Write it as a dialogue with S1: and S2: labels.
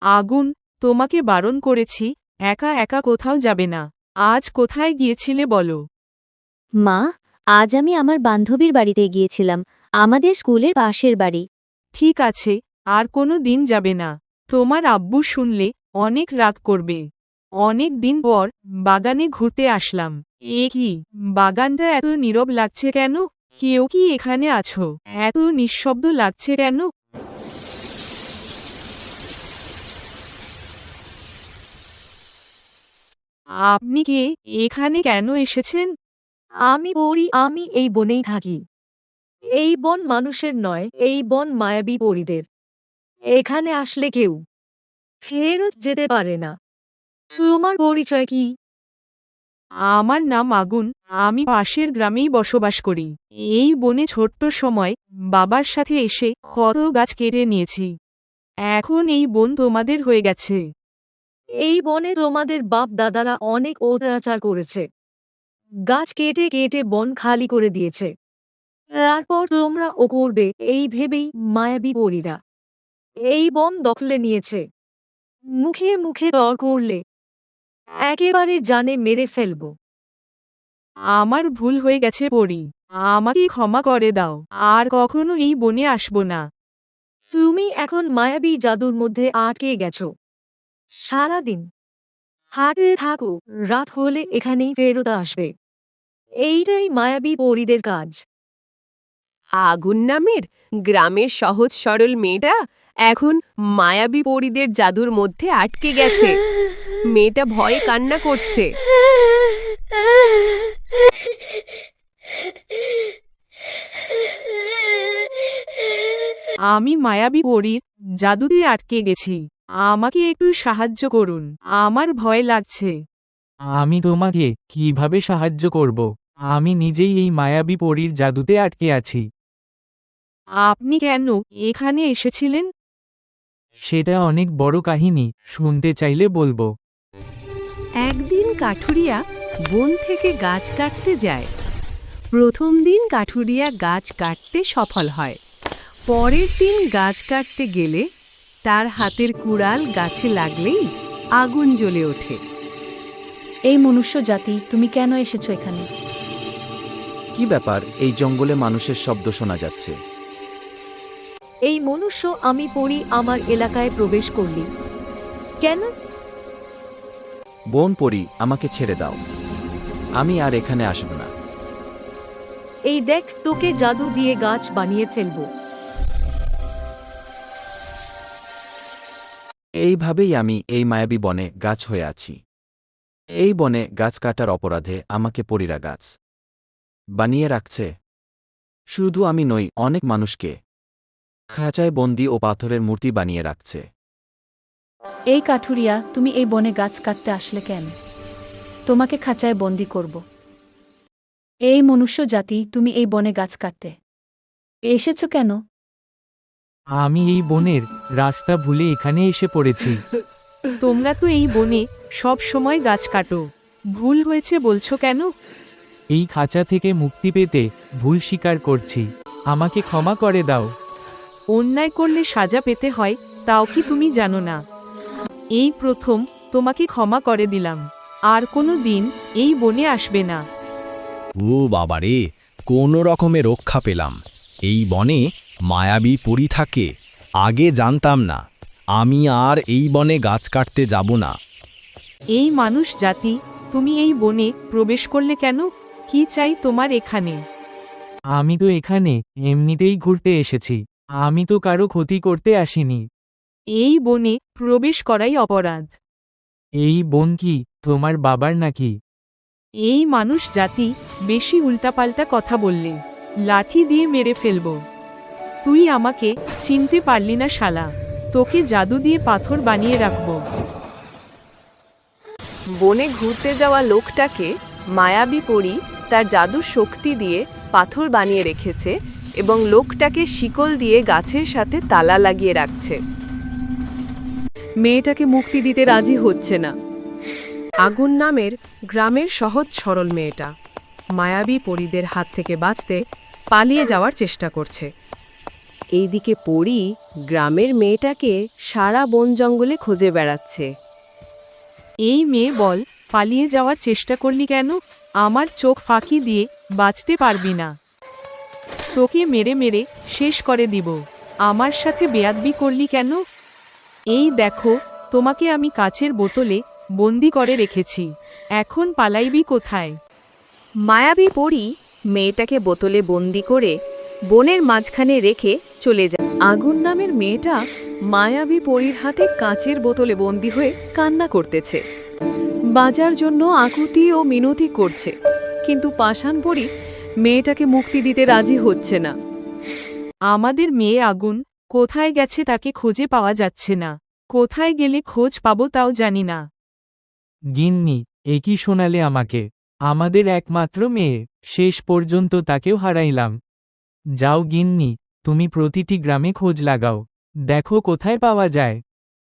S1: আগুন, তোমাকে বারণ করেছি, একা একা কোথাও যাবে না। আজ কোথায় গিয়েছিলে বলো?
S2: মা, আজ আমি আমার বান্ধবীর বাড়িতে গিয়েছিলাম, আমাদের স্কুলের পাশের বাড়ি।
S1: ঠিক আছে, আর কোনো দিন যাবে না। তোমার আব্বু শুনলে অনেক রাগ করবে। অনেক দিন পর বাগানে ঘুরতে আসলাম। এ কি, বাগানটা এত নীরব লাগছে কেন? কেউ কি এখানে আছো? এত নিঃশব্দ লাগছে কেন? আপনি কে? এখানে কেন এসেছেন?
S3: আমি পড়ি, আমি এই বনেই থাকি। এই বন মানুষের নয়, এই বন মায়াবী পরীদের। এখানে আসলে কেউ ফেরত যেতে পারে না। তোমার পরিচয় কি?
S1: আমার নাম আগুন, আমি পাশের গ্রামেই বসবাস করি। এই বনে ছোট্ট সময় বাবার সাথে এসে কত গাছ কেটে নিয়েছি। এখন এই বন তোমাদের হয়ে গেছে।
S3: এই বনে তোমাদের বাপ দাদারা অনেক অত্যাচার করেছে। গাছ কেটে কেটে বন খালি করে দিয়েছে। তারপর তোমরা ও করবে এই ভেবেই মায়াবী পরীরা এই বন দখলে নিয়েছে। মুখে মুখে তর্ক করলে একেবারে জানে মেরে ফেলবো।
S1: আমার ভুল হয়ে গেছে পরি, আমাকে ক্ষমা করে দাও। আর কখনো এই বনে আসব না।
S3: তুমি এখন মায়াবী জাদুর মধ্যে আটকে গেছো। সারাদিন হাঁটতে থাকো, রাত হলে এখানেই ফেরত আসবে। এইটাই মায়াবী পরীদের কাজ।
S4: আগুন নামের গ্রামের সহজ সরল মেয়েটা এখন মায়াবী পরীদের জাদুর মধ্যে আটকে গেছে। মেয়েটা ভয়ে কান্না করছে।
S1: আমি মায়াবী পরীর জাদুতে আটকে গেছি। আমাকে একটু সাহায্য করুন, আমার ভয় লাগছে।
S5: আমি তোমাকে কিভাবে সাহায্য করব? আমি নিজেই এই মায়াবী পরীর জাদুতে আটকে আছি।
S1: আপনি কেন এখানে এসেছিলেন?
S5: সেটা অনেক বড় কাহিনী, শুনতে চাইলে বলবো।
S4: একদিন কাঠুরিয়া বন থেকে গাছ কাটতে যায়। প্রথম দিন কাঠুরিয়া গাছ কাটতে সফল হয়। পরের দিন গাছ কাটতে গেলে তার হাতের কুড়াল গাছে লাগলেই আগুন জ্বলে ওঠে।
S6: এই মনুষ্য জাতি, তুমি কেন এসেছো এখানে?
S7: কি ব্যাপার, এই জঙ্গলে মানুষের শব্দ শোনা যাচ্ছে?
S3: এই মনুষ্য আমি পড়ি আমার এলাকায় প্রবেশ করলি কেন?
S7: বোন পরি, আমাকে ছেড়ে দাও। আমি আর এখানে আসব না।
S3: এই দেখ, তোকে জাদু দিয়ে গাছ বানিয়ে ফেলবো।
S7: এইভাবেই আমি এই মায়াবী বনে গাছ হয়ে আছি। এই বনে গাছ কাটার অপরাধে আমাকে পরীরা গাছ বানিয়ে রাখছে। শুধু আমি নই, অনেক মানুষকে খাঁচায় বন্দি ও পাথরের মূর্তি বানিয়ে রাখছে।
S6: এই কাঠুরিয়া, তুমি এই বনে গাছ কাটতে আসলে কেন? তোমাকে খাঁচায় বন্দি করব। এই মনুষ্য জাতি, তুমি এই বনে গাছ কাটতে এসেছো কেন?
S5: আমি এই বনের রাস্তা ভুলে এখানে এসে পড়েছি।
S1: তোমরা তো এই বনে সব সময় গাছ কাটো, ভুল হয়েছে বলছো কেন?
S5: এই খাঁচা থেকে মুক্তি পেতে ভুল স্বীকার করছি, আমাকে ক্ষমা করে দাও।
S1: অন্যায় করলে সাজা পেতে হয়, তাও কি তুমি জানো না? এই প্রথম তোমাকে ক্ষমা করে দিলাম, আর কোনো দিন এই বনে আসবে না।
S8: ও বাবারে, কোনো রকমে রক্ষা পেলাম। এই বনে মায়াবী পরী থাকে, আগে জানতাম না। আমি আর এই বনে গাছ কাটতে যাব না।
S1: এই মানুষ জাতি, তুমি এই বনে প্রবেশ করলে কেন? কি চাই তোমার এখানে?
S5: আমি তো এখানে এমনিতেই ঘুরতে এসেছি, আমি তো কারো ক্ষতি করতে আসিনি।
S1: এই বনে প্রবেশ করাই অপরাধ।
S5: এই বন কি তোমার বাবার নাকি?
S1: এই মানুষ জাতি, বেশি উল্টাপাল্টা কথা বললে লাঠি দিয়ে মেরে ফেলব। তুই আমাকে চিনতে পারলি না শালা, তোকে জাদু দিয়ে পাথর বানিয়ে রাখব।
S4: বনে ঘুরতে যাওয়া লোকটাকে মায়াবী পরী তার জাদুর শক্তি দিয়ে পাথর বানিয়ে রেখেছে এবং লোকটাকে শিকল দিয়ে গাছের সাথে তালা লাগিয়ে রাখছে। মেয়েটাকে মুক্তি দিতে রাজি হচ্ছে না। আগুন নামের গ্রামের সহজ সরল মেয়েটা মায়াবী পরীদের হাত থেকে বাঁচতে পালিয়ে যাওয়ার চেষ্টা করছে। এইদিকে পরী গ্রামের মেয়েটাকে সারা বন জঙ্গলে খুঁজে বেড়াচ্ছে।
S1: এই মেয়ে বল, পালিয়ে যাওয়ার চেষ্টা করলি কেন? আমার চোখ ফাঁকি দিয়ে বাঁচতে পারবি না। তোকে মেরে মেরে শেষ করে দিব। আমার সাথে বেয়াদবি করলি কেন? এই দেখো, তোমাকে আমি কাচের বোতলে বন্দি করে রেখেছি। এখন পালাইবি কোথায়?
S4: মায়াবী পরী মেয়েটাকে বোতলে বন্দি করে বনের মাঝখানে রেখে চলে যায়। আগুন নামের মেয়েটা মায়াবী পরীর হাতে কাঁচের বোতলে বন্দি হয়ে কান্না করতেছে। বাজার জন্য আকুতি ও মিনতি করছে, কিন্তু পাষাণ পরী মেয়েটাকে মুক্তি দিতে রাজি হচ্ছে না।
S1: আমাদের মেয়ে আগুন কোথায় গেছে তাকে খুঁজে পাওয়া যাচ্ছে না। কোথায় গেলে খোঁজ পাবো তাও জানি না।
S5: গিন্নি, এ কি শোনালে আমাকে? আমাদের একমাত্র মেয়ে, শেষ পর্যন্ত তাকেও হারাইলাম। যাও গিন্নি, তুমি প্রতিটি গ্রামে খোঁজ লাগাও, দেখো কোথায় পাওয়া যায়।